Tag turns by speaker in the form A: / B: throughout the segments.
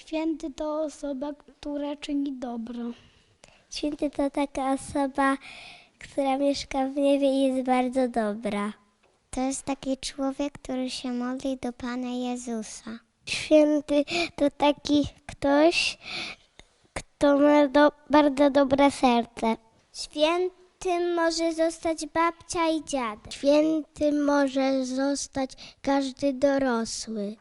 A: Święty to osoba, która czyni dobro.
B: Święty to taka osoba, która mieszka w niebie i jest bardzo dobra. To jest taki człowiek, który się modli do Pana Jezusa. Święty to taki ktoś, kto ma bardzo dobre serce. Świętym może zostać babcia i dziadek. Świętym może zostać każdy dorosły.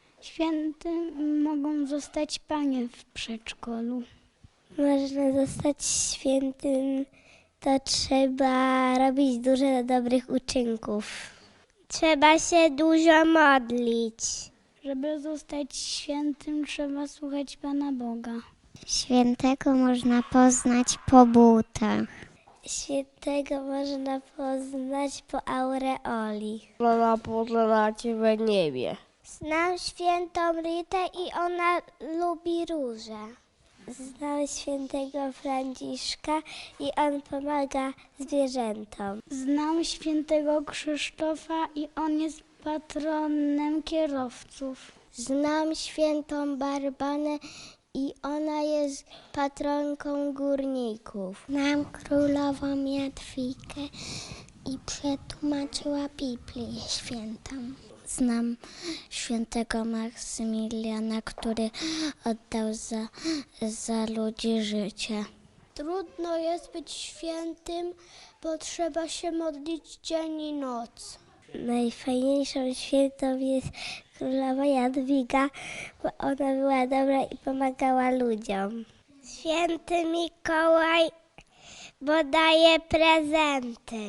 A: Świętym mogą zostać panie w przedszkolu.
B: Można zostać świętym, to trzeba robić dużo dobrych uczynków. Trzeba się dużo modlić.
A: Żeby zostać świętym, trzeba słuchać Pana Boga.
B: Świętego można poznać po butach. Świętego można poznać po aureoli.
C: Można poznać w niebie.
B: Znam świętą Ritę i ona lubi róże. Znam świętego Franciszka i on pomaga zwierzętom.
A: Znam świętego Krzysztofa i on jest patronem kierowców.
B: Znam świętą Barbanę i ona jest patronką górników. Znam królową Jadwigę i przetłumaczyła Biblię świętą. Znam świętego Maksymiliana, który oddał za ludzi życie. Trudno jest być świętym, bo trzeba się modlić dzień i noc. Najfajniejszą świętą jest królowa Jadwiga, bo ona była dobra i pomagała ludziom. Święty Mikołaj, bo daje prezenty.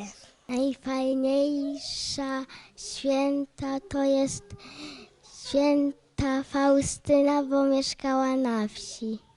B: Najfajniejsza święta to jest święta Faustyna, bo mieszkała na wsi.